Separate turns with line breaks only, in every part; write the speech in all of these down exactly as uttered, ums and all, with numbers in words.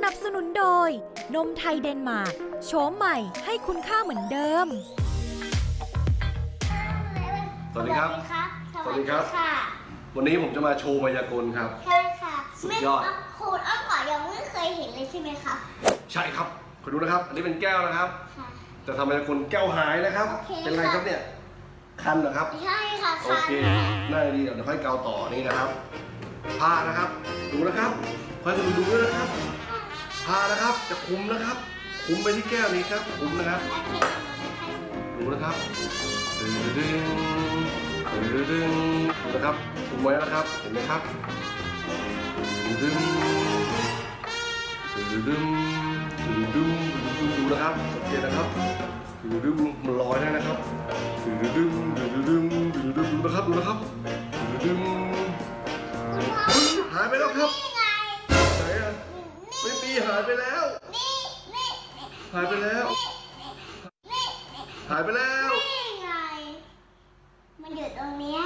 นับสนุนโดยนมไทยเดนมาร์กโฉมใหม่ให้คุณค่าเหมือนเดิม
สวัสดีครับสวัสดีครับวันนี้ผมจะมาโชว์มายากลครับ
ใช่ค่ะ
สุดยอด
คุณอ้อมก่อนยังไม่เคยเห็นเลยใช่ไหมคะ
ใช่ครับคุณดูนะครับอันนี้เป็นแก้วนะครับจะทำมายากลแก้วหายนะครับเป็นไรครับเนี่ยคันเหรอครับ
ใช่ค่ะ
โอเคน่าดีเดี๋ยวค่อยเกาต่อนี่นะครับผ้านะครับดูนะครับค่อยดูดูด้วยนะครับผ้านะครับจะคุมนะครับคุมไปที่แก้วนี้ครับคุมนะครับดูนะครับดึงดึงดึงดึงนะครับคุมไว้นะครับเห็นไหมครับดึงดึงดึงดึงดึงดึงดูนะครับสังเกตนะครับดึงดึงมันลอยได้นะครับดึงดึงดึงดึงดึงดึงดูนะครับดูนะครับดึงหายไปแล้วครับไหนอ่ะไม่มีหายไปแล้วหายไปแล้วหายไปแล้ว
นี่ไงมันอยู่ตรงนี้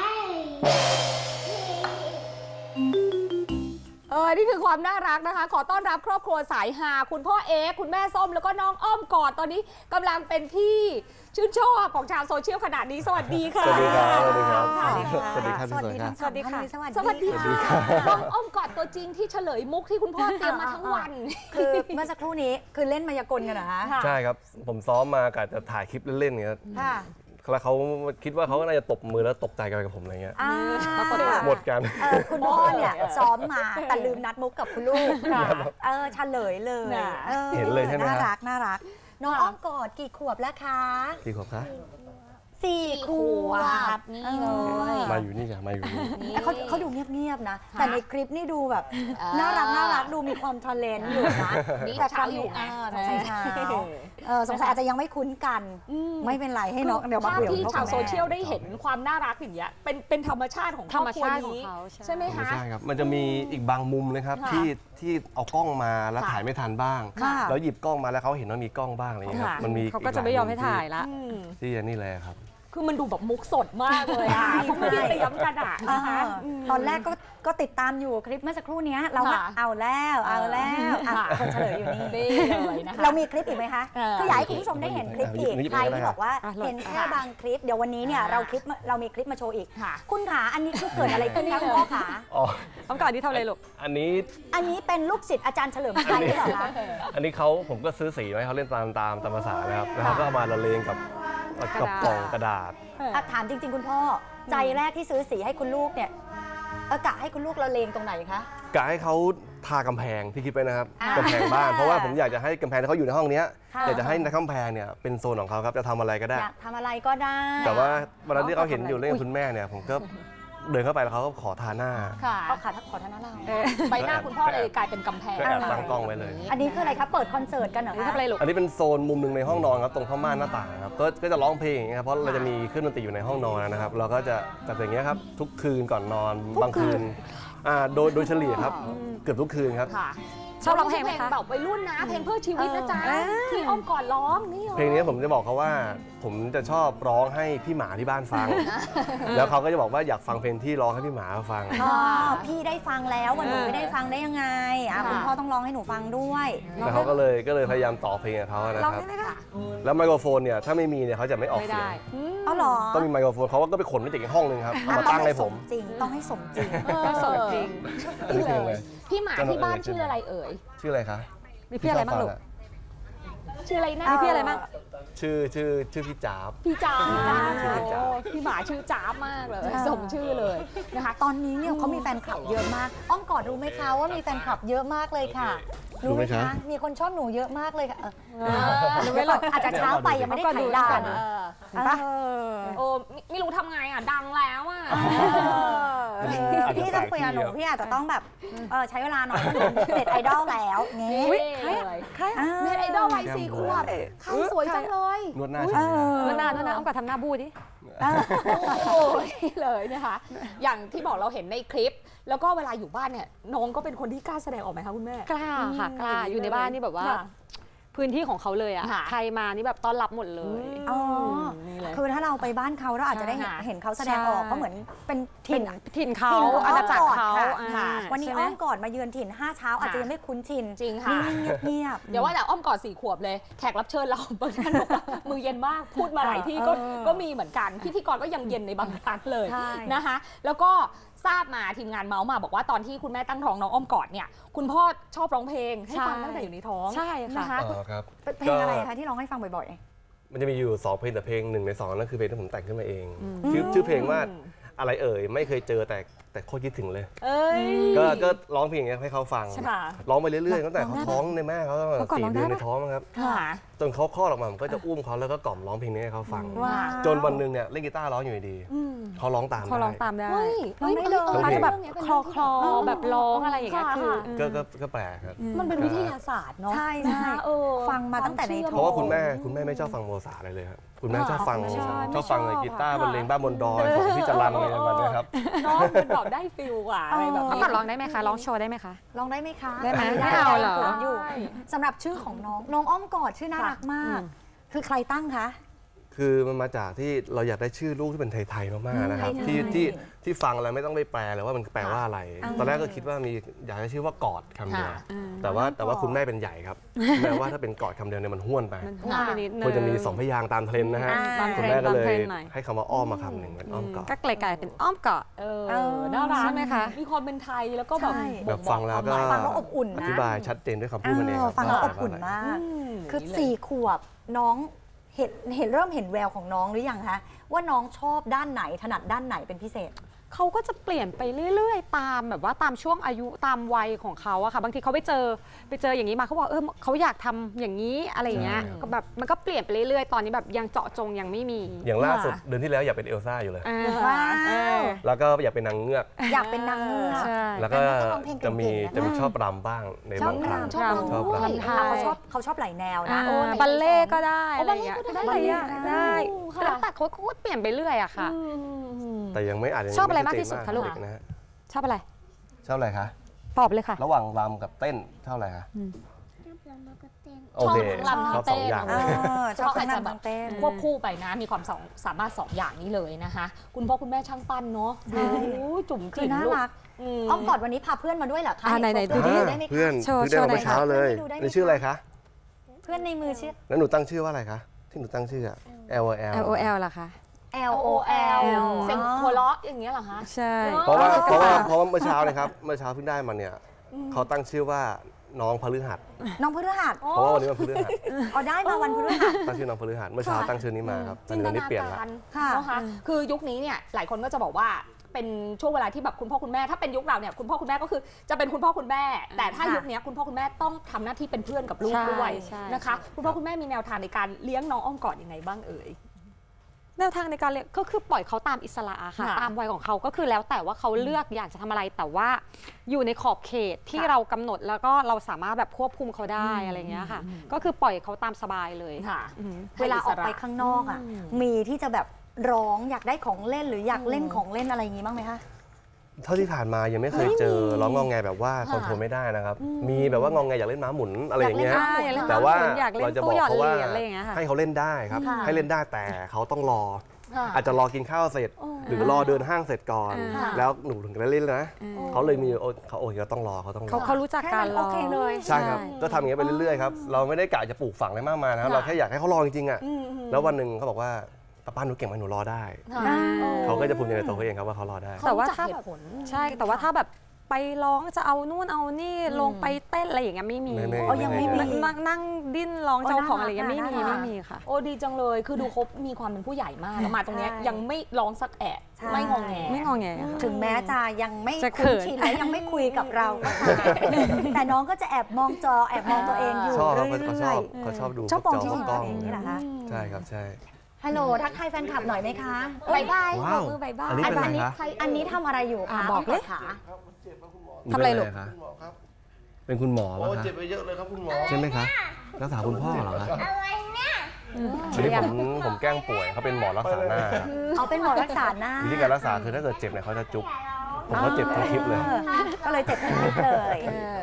เออนี่คือความน่ารักนะคะขอต้อนรับครอบครัวสายฮาคุณพ่อเอ๊คุณแม่ส้มแล้วก็น้องอ้อมกอดตอนนี้กำลังเป็นที่ชื่นชอบของชาวโซเชียลขนาดนี้สวัสดีค่ะ
สวัสดีครับสวัสดีครับ
สวัสดีค่ะ
สวัสดีครับ
สวัสดีค่ะสวัสดีค่ะน้องอ้อมกอดตัวจริงที่เฉลยมุกที่คุณพ่อเตรียมมาทั้งวัน
คือเมื่อสักครู่นี้คือเล่นมายากลกันเหรอคะ
ใช่ครับผมซ้อมมากะจะถ่ายคลิปเล่นๆอย่างเงี้ยแล้วเขาคิดว่าเขาก็น่าจะตบมือแล้วตกใจกันกับผมอะไรเงี้ยหมดกัน
คุณพ่อเนี่ยซ้อมมาแต่ลืมนัดมุกกับคุณลูกเออเฉลยเลย
เห็นเลยใช่ไหม
น่ารักน่ารักน้องอ้อมกอดกี่ขวบแล้วคะ
กี่ขวบคะ
สี่ขวบ
นี่เลย
มาอยู่นี่จ้ะมาอยู่นี่
เขาเขาดูเงียบๆนะแต่ในคลิปนี่ดูแบบน่ารักน่ารักดูมีความทะเลนอยู่นะ
แต่เช้าอยู่
ใช่ใช่สงสัยอาจจะยังไม่คุ้นกันไม่เป็นไรให้น้องเดี๋ยวมาคุยกับ
ที่ชาวโซเชียลได้เห็นความน่ารักอย่างเงี้ยเป็นเป็นธรรมชาติของครอบครัวนี้ใช่ไหมคะ
ใช่ครับมันจะมีอีกบางมุมนะครับที่ที่เอากล้องมาแล้วถ่ายไม่ทันบ้างแล้วหยิบกล้องมาแล้วเขาเห็นว่ามีกล้องบ้างอะไรเงี้ยมันมี
เขาก็จะไม่ยอมให้ถ่ายละ
ที่นี่เลยครับ
คือมันดูแบบมุกสดมากเลยอ่ะเขาไม่ได้เตรียมกันอ่ะ
ตอนแรกก็ก็ติดตามอยู่คลิปเมื่อสักครู่นี้เราเอาแล้วเอาแล้วคนเฉลยอยู่นี่เลยนะคะเรามีคลิปอีกไหมคะคืออยากให้คุณผู้ชมได้เห็นคลิปอีกใครที่บอกว่าเห็นแค่บางคลิปเดี๋ยววันนี้เนี่ยเราคลิปเรามีคลิปมาโชว์อีกคุณขาอันนี้คือเกิดอะไรขึ้นคะคุณพ่อขา
อ๋อต้องการที่ทำอะไรลูก
อันนี้
อันนี้เป็นลูกศิษย์อาจารย์เฉลิมชัยหรือเปล่าคะ
อันนี้เขาผมก็ซื้อสีมาให้เขาเล่นตามตามตามภาษานะครับแล้วเขาก็เอามาละเลงกับกับกล่องกระดาษ
ถามจริงๆคุณพ่อใจแรกที่ซื้อสีให้คุณลูกเนี่ยกะให้คุณลูกละเลงตรงไหนคะ
กะให้เขาทากำแพงที่คิดไปนะครับกำแพงบ้านเพราะว่าผมอยากจะให้กำแพงที่เขาอยู่ในห้องนี้อยากจะให้ในกำแพงเนี่ยเป็นโซนของเขาครับจะทำอะไรก็ได้
อยากทำอะไรก็ได้
แต่ว่าวันนั้นที่เขาเห็นอยู่เล่นกับคุณแม่เนี่ยผมก็เดินเข้าไปแล้วเขาก็ขอทาหน้า
เขาขาขอทาหน้าเรา
ใบหน้าคุณพ่อเลยกลายเป็นกำแพง
ก็แอบตั้งกล้องไว้เลย
อันนี้คืออะไรครับเปิดคอนเสิร์ตกันเหรอ
ทำอะไรลูก
อันนี้เป็นโซนมุมหนึ่งในห้องนอนครับตรงผ้าม่านหน้าต่างครับก็จะร้องเพลงครับเพราะเราจะมีเครื่องดนตรีอยู่ในห้องนอนนะครับเราก็จะจัดอย่างเงี้ยครับทุกคืนก่อนนอนบางคืนอ่าโดยโดยเฉลี่ยครับเกือบทุกคืนครับ
ชอบร้องเพลงไหมคะแบบวัยรุ่นนะเพลงเพื่อชีวิตนะจ๊ะที่อ้อมก่อนร้องนี่
เพลงนี้ผมจะบอกเขาว่าผมจะชอบร้องให้พี่หมาที่บ้านฟังแล้วเขาก็จะบอกว่าอยากฟังเพลงที่ร้องให้พี่หมาฟัง
อ๋อพี่ได้ฟังแล้ววันหนูไม่ได้ฟังได้ยังไงอ่ะคุณพ่อต้องร้องให้หนูฟังด้วย
แล้วเขาก็เลยก็เลยพยายามต่อเพลงกับเขานะครับแล้วไมโครโฟนเนี่ยถ้าไม่มีเนี่ยเขาจะไม่ออกเสียง
อ๋อเหรอ
ต้องมีไมโครโฟนเขาก็ไปขนมาจากอีกห้องนึงครับเอามาตั้งให้ผม
จริงต้องให้สมจริง
ต้องสมจริงพี่หมาที่บ้านชื่ออะไรเอ่ย
ชื่ออะไรคะ
มีพี่อะไรบ้างลูกชื่ออะไรนะมีพี่อะไรบ้าง
ชื่อชื่อชื่อพี่จ๊าบ
พี่จ๊าบพี่หมาชื่อจ๊าบมากเลยสมชื่อเลยนะคะ
ตอนนี้เนี่ยเขามีแฟนคลับเยอะมากอ้อมกอดรู้ไหมคะว่ามีแฟนคลับเยอะมากเลยค่ะรู้ไหมคะมีคนชอบหนูเยอะมากเลยค่ะอาจจะเช้าไปยังไม่ได้ถ่ายด่าน
โอ้ไม่รู้ทำไงอ่ะดังแล้วอ่ะ
พี่จะคุยกับหนูพี่อาจจะต้องแบบใช้เวลาหน่อยเน็ตไอดอลแล้วงี้
ใครใครเน็ตไอดอลวัยสี่ขวบใครสวยจังเลย
นวดหน้าใช่ไหม
นวดหน้านวดหน้าอ้อมกับทำหน้าบูดิโอ้ยเลยนะคะอย่างที่บอกเราเห็นในคลิปแล้วก็เวลาอยู่บ้านเนี่ยน้องก็เป็นคนที่กล้าแสดงออกไหมคะคุณแม่
กล้าค่ะกล้าอยู่ในบ้านนี่แบบว่าพื้นที่ของเขาเลยอ่ะใครมานี่แบบต้อนรับหมดเลย
อ๋อคือถ้าเราไปบ้านเขาเราอาจจะได้เห็นเขาแสดงออกเขาเหมือนเป็น
ถิ่นถิ่นเขาอาณาจักรเขา
วันนี้อ้อมกอดมาเยือนถิ่นห้าเช้าอาจจะยังไม่คุ้นชิน
จริงค่ะ
นิ่งๆเงียบๆ
เดี๋ยวว่าแต่อ้อมกอดสี่ขวบเลยแขกรับเชิญเราบางท่านบอกว่ามือเย็นมากพูดมาหลายที่ก็
เออ
ก็มีเหมือนกันพิธีกรก็ยังเย็นในบางครั้งเลย
ใช่
นะคะแล้วก็ทราบมาทีมงานเมาส์มาบอกว่าตอนที่คุณแม่ตั้งท้องน้องอ้อมกอดเนี่ยคุณพ่อชอบร้องเพลงให้ฟังตั้งแต่อยู่ในท้อง
ใช่ค่ะ
นะคะ
อ๋อครับ
เพลงอะไรคะที่ร้องให้ฟังบ่อย
มันจะมีอยู่สองเพลงแต่เพลงหนึ่งในสองนั่นคือเพลงที่ผมแต่งขึ้นมาเองชื่อชื่อเพลงว่าอะไรเอ่ยไม่เคยเจอแต่แต่โคตรคิดถึงเลย
เอ้ย
ก็ก็ร้องเพลงอย่างเงี้ยให้เขาฟัง
ใช่ป่ะ
ร้องไปเรื่อยๆตั้งแต่เขาท้องในแม่เขาตั้งแต่
เขาก่อน
สี่
ร้อง
เดือน
ได้
ใน
ปะ
ท้องมั้งครับ
ค่ะ
จนเขาคลอดออกมาผมก็จะอุ้มเขาแล้วก็กล่อมร้องเพลงนี้ให้เขาฟัง
ๆว้า
จนวันหนึ่งเนี่ยเล่นกีตาร์ร้องอยู่ดีๆเขาร้องตาม
เขาร้อง
ได้
ตามได้
เฮ้ย
ร้องได้เลย
อ้
เขาจะแบบ
เป็น
คลอคลอแบบร้องอะไรอย่างเงี้ย
ค่ะ
คือ
ก็ก็ก็แปลกครับ
มันเป็นวิทยาศาสตร์เนาะ
ใช่ใช่
นะคะเออ
ฟังมาตั้งแต่ในท้อง
เพราะว่าคุณแม่คุณแม่ไม่ชอบฟังโมซาร์ทอะไรเลยครับคุณแม่ชอบฟัง
ไม่ชอบ
ชอบฟัง
ไม่ชอบ
กีตาร์บรรเลงบ้านบนดอยของพี่จรัญอะไรประมาณนี้ครับ
เน้องมันแบบได้ฟิลกว่าอะไรแบบ
เขา
นี้
ก่อนร้องได้ไหมคะ ร้องโชว์ได้ไหมคะ
ร้องได้ไหมคะ
ได้ไหม
ด้
ไม่เอาเหรอ
ขินอยู่สำหรับชื่อของน้องน้องอ้อมกอดชื่อน่ารักมาก คือใครตั้งคะ
คือมันมาจากที่เราอยากได้ชื่อลูกที่เป็นไทยๆมากๆนะครับ
ไทยๆ
ที่ที่ที่ฟังแล้วไม่ต้องไปแปลเลยว่ามันแปลว่าอะไร
อ่า
ตอนแรกก็คิดว่ามีอยากได้ชื่อว่ากอดคำเดียว
ค่ะ
แต่ว่าแต่ว่าคุณแม่เป็นใหญ่ครับแม้ว่าถ้าเป็นกอดคำเดียวเนี่ยมันห้วนไป
มันห้วนไปนิดนึง
ควรจะมีสองพยางค์ตามเทรนด์นะฮะ
อ่า
คุณแม่ก็เลย
ตามเทรนด์หน่อย
ให้คำว่าอ้อมมาคำหนึ่งเป็นอ้อมกอด
ก็ไกลๆเป็นอ้อมกอด
เออ
เออ
น่ารัก
ใช่ไหมคะ
มีความเป็นไทยแล้วก็แบบ
ใช่
แบบฟังแล้วก็
ฟังแล้วอบอุ่นนะ
อธิบายชัดเจนด้วยคำพูดมันเองครับ
ฟังแล้วอ
ว่า
บอุ่น
อะไร
มาก
อืม
คือ
นี่เลย
สี่ขวบน้องเห็นเห็นเริ่มเห็นแววของน้องหรือยังคะว่าน้องชอบด้านไหนถนัดด้านไหนเป็นพิเศษ
เขาก็จะเปลี่ยนไปเรื่อยๆ ตามแบบว่าตามช่วงอายุตามวัยของเขาอะค่ะบางทีเขาไปเจอไปเจออย่างนี้มาเขาบอกเออเขาอยากทำอย่างนี้อะไรอย่างเงี้ย
ใช่
ก็แบบมันก็เปลี่ยนไปเรื่อยๆ ตอนนี้แบบยังเจาะจงยังไม่มี
อย่างล่าสุดเดือนที่แล้วอยากเป็นเอลซ่าอยู่เลย
อ่า
ว้าว
เออ
แล้วก็อยากเป็นนางเงือก
อยากเป็นนางเงือก
ใช่
แล้วก็
แต่น้องก็ร้องเพลงเก่งๆ
จะมี
นะ
จะมีชอบรำบ้างในบางครั้ง
ชอบรำ
ชอบรำ
ด้วย
ใช่
เขาชอบเขาชอบหลายแนวนะ
อ่าบัลเล่ก็ได้อะไรอย่างเงี้ย
โอ้บัลเล่ก็ได้
บัลเล่ก็ได้
ค่ะ
แล้วแต่เขาก็เปลี่ยนไปเรื่อยอะค่ะ
แต่ยังไม่อาจจะยัง
ชอบอะไร
ม่
มากที่สุดคะลูก
เด็นะฮะ
ชอบอะไร
ชอบอะไรคะ
ตอบเลยค่ะ
ระหว่างรำกับเต้นชอบอะไรคะโอเค
ชอบรำ
ชอบสองอย่าง
เอ
เลย
อชอบทั้งรำทั้งเต้น
ควบคู่ไปนะ มีความสองสามารถสองอย่างนี้เลยนะคะ คุณพ่อคุณแม่ช่างปั้นเนาะ
ใช่
โอ้ยจุ๋ม
คื
จิ๋
อ
ม
น่า
ลูก
รัก
ม
อ้อมกอดวันนี้พาเพื่อนมาด้วยเหรอคะ
อ่าไหนๆ
เห็
ดูดิ
เพื่อนได้ไหมคะ
เพื่อน
โชว์
เพื่อนได้ออกมา
โชว์หน่อย
เช้าเลย
ดูได้ไหม
นี่ชื่ออะไรคะ
เพื่อนในมือชื่อ
แล้วหนูตั้งชื่อว่าอะไรคะที่หนูตั้งชื่ออะ L O L
L O L ล่ะคะ
L O L
เสียงหัวเราะอย่างเงี้ยเหรอคะ
ใช่
เพราะว่า
อ๋อ
เพราะว่าเพราะว่าเมื่อเช้านะครับเมื่อเช้าเพิ่งได้มาเนี่ยเขาตั้งชื่อว่าน้องพฤหัส
น้องพฤหัส
เพราะว่าวันนี้วันพฤหัส
เอาได้มาวันพฤหัส
ตั้งชื่อน้องพฤหัสเมื่อเช้าตั้งชื่อนี้มาครับตอน
จิน
นี้
ต
วันนี้
นา
เปลี่ยนละ
การ
ค่ะ
นะคะคือยุคนี้เนี่ยหลายคนก็จะบอกว่าเป็นช่วงเวลาที่แบบคุณพ่อคุณแม่ถ้าเป็นยุคเราเนี่ยคุณพ่อคุณแม่ก็คือจะเป็นคุณพ่อคุณแม่ แต่ถ้า
ค่ะ
ยุคนี้คุณพ่อคุณแม่ต้องทำหน้าที่เป็นเพื่อนกับลูก
ใช่
ด้วย
ใช่
นะคะคุณพ่อคุณแม่มีแนวทางในการเลี้ยงน้องอ้อมกอดยังไงบ้างเอ่ย
แนวทางในการเรียนก็คือปล่อยเขาตามอิสระอะค่ะ
ค่ะ
ตามวัยของเขาก็คือแล้วแต่ว่าเขาเลือกอยากจะทำอะไรแต่ว่าอยู่ในขอบเขตที่
ค่ะ
เรากำหนดแล้วก็เราสามารถแบบควบคุมเขาได้อะไรเงี้ยค่ะ ก็คือปล่อยเขาตามสบายเลย
ค่ะ
อืม
เวลาออกไปข้างนอกอ่ะ มีที่จะแบบร้องอยากได้ของเล่นหรืออยากเล่นของเล่นอะไรอย่างงี้บ้างไหมคะ
เท่าที่ผ่านมายังไม่เคยเจอร้องงองแงแบบว่าคอนโทรลไม่ได้นะครับ มีแบบว่างองแงอยากเล่นม้าหมุนอะไรอย่างเงี้ย
ใช่อยากเล่น
แต่ว่า
ม้าหมุนอยากเล่น
เราจะบ
ตู้
อก
หยอด
เขา
เห
ว่า
รียญอะไรอย่างเงี้ยค่ะ
ให้เขาเล่นได้ครับ
ค่ะ
ให้เล่นได้แต่เขาต้องรอ
ค่ะ
อาจจะรอกินข้าวเสร็จ หรือรอเดินห้างเสร็จก่อน
ค่ะ
แล้วหนูถึงจะเล่นนะเขาเลยมีโอเขาโอเคเขาต้องรอเขาต้องร
เขา
อ
เขารู้จักการร
โอ
อ
เคเลย
ใช่ครับก็ทำอย่างเงี้ยไปเรื่อยๆครับเราไม่ได้กะจะปลูกฝังอะไรมากมายนะครับ
ค่ะ
เราแค่อยากให้เขารอจริงๆอ่ะ
อืมอืม
แล้ววันหนึ่งเขาบอกว่าป้าป้าหนูเก่งไหมหนูรอได้
ค่ะ
เขาก็จะภูมิใจในตัวเขาเองครับว่าเขารอได้
แต่ว่า
เขรู้จัก
ถ้า
เห
แบบ
ตุผล
ใช่แต่ว่าถ้าแบบไปร้องจะเอานู่นเอานี่ลงไปเต้นอะไรอย่างเงี้ยไม่มี
ไม่ไม่
อ๋อยังไม่มี
นั่งนั่งดิ้นร้อง
อ๋อ
เจ้าของ
น่ารัก
อะไรอย่างเงี้ยไม่มี
น่ารัก
ไม่มีค่ะ
โอ้ดีจังเลยคือดูเขามีความเป็นผู้ใหญ่มากแล้วมาตรงเนี้ย
ใช่
ยังไม่ร้องสักแอะ
ใช่
ไม่งองแง
ไม่งอแงค่ะ
ถึงแม้จะยังไม่
จะเขิ
คุ้น
น
ชินและยังไม่คุยกับเราก็ตามแต่น้องก็จะแอบมองจอแอบมองตัวเองอยู่
ชอบครับ
เรื่
เขาช
อ
อย บเขาชอบดู
ๆชอบมอง
พ
ที่
ว
จ
กจอ
ตัวเองนี่แหละคะ
ใช่ครับใช่
ฮัลโหลทักทายแฟนคลับหน่อยไหมคะ
บายบาย
ว้าว
มือบายบาย
อันนี้เป็นอะไรคะ
อันนี้ทำอะไรอยู่
อ่ะ
คะ
บอกเลย
ขา
ทำอะไรลูก
เป็นคะคุณหมอครับเป็นคุณหมอโอ้วะคะเจ็บไปเยอะเลยครับคุณหมอใช่ไหมคะรักษาคุณพ่อเหรอคะ
อะไรเนี่ย
ทีนี้ผมผมแกล้งป่วยเขาเป็นหมอรักษาหน้าครับ
เอาเป็นหมอรักษาหน้า
วิธีการรักษาคือถ้าเกิดเจ็บเนี่ยเขาจะจุ๊บผมก็เจ็บทั้งคลิปเลย
ออก็เลยเจ็บทั้งคลิปเลย
เออ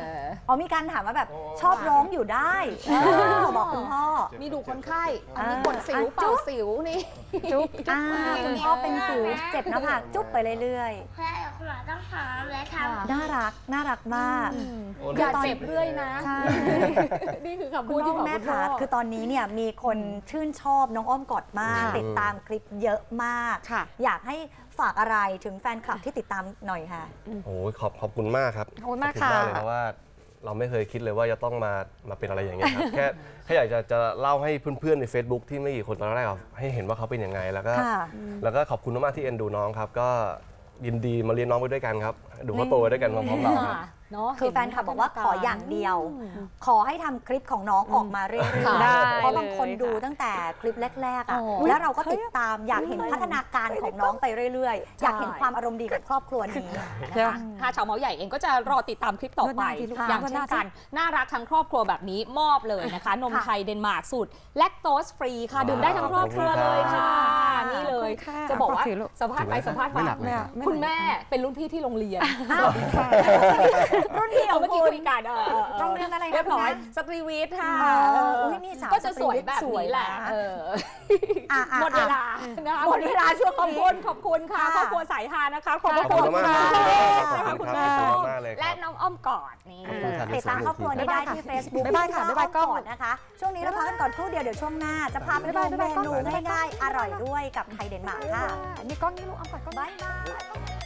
อ๋อมีการถามว่าแบบชอบร้องอยู่ได้บอกคุณพ่อ
มีดูคนไข้อันนี้กดสิวเป่าสิวนี่
จุ๊บอ่าคุณพ่อเป็นสิวเจ็บหน้าผากจุ๊บไปเรื่อย
เพื่อคุณหมอต้องหาและทำ
ๆน่ารักน่ารักมาก
อย่าเจ็บเรื่อยนะ
ใช่
นี่คือคำ
คุ
พู
ณ
ด
พ่
ที่
อ
บอก
แม่
คุณพ่
ค่ะ
อ
คือตอนนี้เนี่ยมีคนชื่นชอบน้องอ้อมกอดมาก
ค่ะ
ติดตามคลิปเยอะมาก
ค่ะ
อยากให้ฝากอะไรถึงแฟนคลับที่ติดตามหน่อยค่ะ
โอ้ยขอบขอบคุณมากครับ
ขอบคุณมาก
ขอบคุณมากเลย
ค่ะ
เพราะว่าเราไม่เคยคิดเลยว่าจะต้องมามาเป็นอะไรอย่างเงี้ยครับ แค่แค่อยากจะจะเล่าให้เพื่อนๆใน Facebook ที่ไม่กี่คนตอนแรกอะให้เห็นว่าเขาเป็นยังไงแล้วก็
ค่ะ
แล้วก็ขอบคุณมากๆที่เอ็นดูน้องครับ ก็ยินดีมาเรียนน้องไปด้วยกันครับ ดูเขาโตไปด้วยกันพร้อมๆเราครับ
เนาะ
คือแฟนคลับบอกว่าขออย่างเดียว ขอให้ทำคลิปของน้องออกมาเรื่อย
ได้
ๆเพราะบางคน
เลยค่ะ
ดูตั้งแต่คลิปแรกๆอ่ะ
โอ้
แล้วเราก็ติดตามอยากเห็นพัฒนาการของน้องไปเรื่อยๆ อยากเห็นความอารมณ์ดีของครอบครัวนี้นะคะ
ถ้าชาวเมาส์ใหญ่เองก็จะรอติดตามคลิปต่อไป
นวดหน้าทีลูก
อย่าง
นวดห
เช่
น้าน
กัน น่ารักทั้งครอบครัวแบบนี้มอบเลยนะคะ นม
ค่ะ
ไทยเดนมาร์กสูตรแลคโตสฟรีค่ะ ดื่มได้ทั้งครอบครัวเลยค่ะ นี่เลย
ขอบคุณค่ะ
จะบอกว่า
ขอบคุณลูก
สัมภาษณ์ไปสัมภาษณ์
ไม่
มา
หนักเลยครับ
คุณแม่เป็นรุ่นพี่ที่โรงเรียน
รุ่นพี่ข
เอา
อง
เมื่อกี้
คุ
คุ
ณ
ยกันเออเออเออ
โรงเรียนอะไรคะ
เรียบร้อย
คุณนะ
สตรีวิทย์ค่ะ
เอออุ๊ยนี่สาว
ก็จะสวยแบบ
สวย
นี้แหละ
นะ
เออ
อ่ะอ่ะ
หมดเวลา
อ่ะ
นะคะ
หมดเวลาช่วง
ขอบ
นี้
คุณขอบคุณค่ะ
ค่ะ
ครอบครัวสายฮานะคะขอบพระ
ขอบ
คุ
คุณ
ณ
มาก
ค่ะ
ครับขอบคุณ
คุณ
ครับ
แม่
ขอบ
ส้
คุณ
ม
มากเลยครับ
และน้องอ้อมกอดนี่
ขอบคุณครับ
ติดตามครอบครัวนี้ได้ที่ Facebook
บ๊ายบายค่ะบ๊ายบายกล้อง
ก่อนนะคะ ช่วงนี้เราพักกันก่อนครู่เดียวเดี๋ยวช่วงหน้า จะพาไปดูเมนูง่ายๆ อร่อยด้วยกับไทยเดนมาร์กค่ะ
นี่กล้องนี่ลูกเอาก่อนกล้อง
บ๊ายบาย